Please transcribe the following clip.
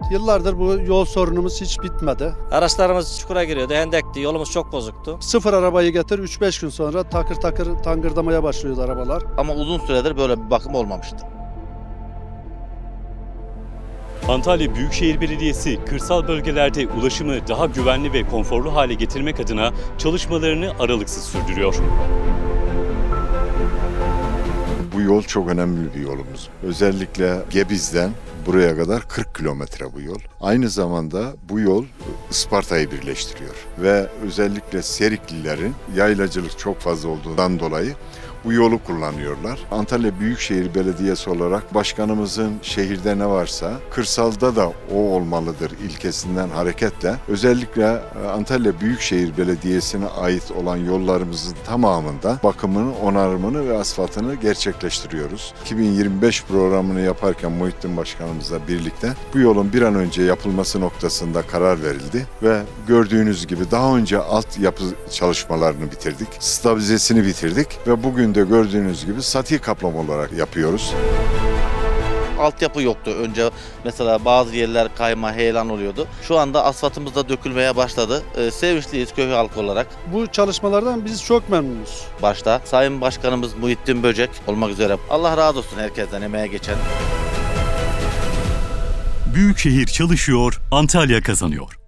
Yıllardır bu yol sorunumuz hiç bitmedi. Araçlarımız çukura giriyordu, hendekti, yolumuz çok bozuktu. Sıfır arabayı getir 3-5 gün sonra takır takır tangırdamaya başlıyordu arabalar. Ama uzun süredir böyle bir bakım olmamıştı. Antalya Büyükşehir Belediyesi kırsal bölgelerde ulaşımı daha güvenli ve konforlu hale getirmek adına çalışmalarını aralıksız sürdürüyor. Bu yol çok önemli bir yolumuz. Özellikle Gebiz'den buraya kadar 40 kilometre bu yol. Aynı zamanda bu yol Isparta'yı birleştiriyor. Ve özellikle Seriklilerin yaylacılık çok fazla olduğundan dolayı bu yolu kullanıyorlar. Antalya Büyükşehir Belediyesi olarak başkanımızın şehirde ne varsa kırsalda da o olmalıdır ilkesinden hareketle özellikle Antalya Büyükşehir Belediyesi'ne ait olan yollarımızın tamamında bakımını, onarımını ve asfaltını gerçekleştiriyoruz. 2025 programını yaparken Muhittin Başkanımızla birlikte bu yolun bir an önce yapılması noktasında karar verildi ve gördüğünüz gibi daha önce altyapı çalışmalarını bitirdik, stabilizesini bitirdik ve bugün de gördüğünüz gibi sati kaplama olarak yapıyoruz. Altyapı yoktu. Önce mesela bazı yerler kayma, heyelan oluyordu. Şu anda asfaltımız da dökülmeye başladı. Sevinçliyiz köy halkı olarak. Bu çalışmalardan biz çok memnunuz. Başta Sayın Başkanımız Muhittin Böcek olmak üzere. Allah razı olsun herkesten emeğe geçen. Büyükşehir çalışıyor, Antalya kazanıyor.